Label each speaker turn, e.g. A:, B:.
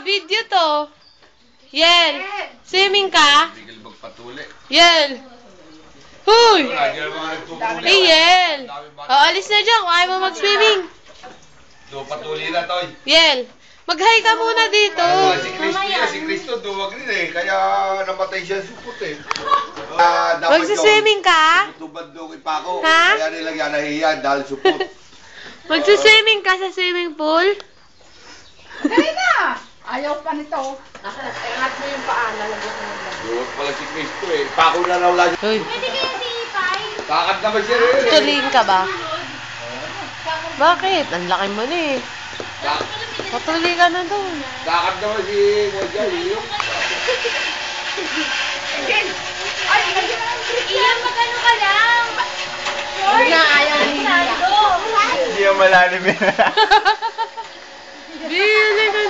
A: video to. Yel, swimming ka?
B: Bigil magpatuli.
A: Yel. Huy!
B: Hey,
A: Yel. O, alis na dyan kung ayaw mo mag-swimming.
B: Patuli na, Toy.
A: Yel, mag-hi ka muna dito.
B: Si Cristo, duwag rin eh. Kaya namatay siya supot eh.
A: Mag-swimming ka?
B: Tubad doon kay Paco.
A: Ha?
B: Kaya nilagyan nahihiya dahil supot.
A: Mag-swimming ka sa swimming pool?
C: Dali na! Ayaw pa nito. Angat mo yung paa, lalagyan mo yung lalagyan.
B: Duwag pala si Cristo eh. Paco na raw lang.
A: Hoy,
D: Pwede kayo si Ipay?
B: Kakad naman siya rin eh.
A: tutuliin ka ba? Bakit? Ang laki mo na eh. Patuli ka na doon.
B: Kakad naman si Moja.
D: Iyan, magano ka lang?
C: Huwag na, ayaw na hihiya.
D: Sando.
B: Hindi yung malalim eh.
A: Bili ka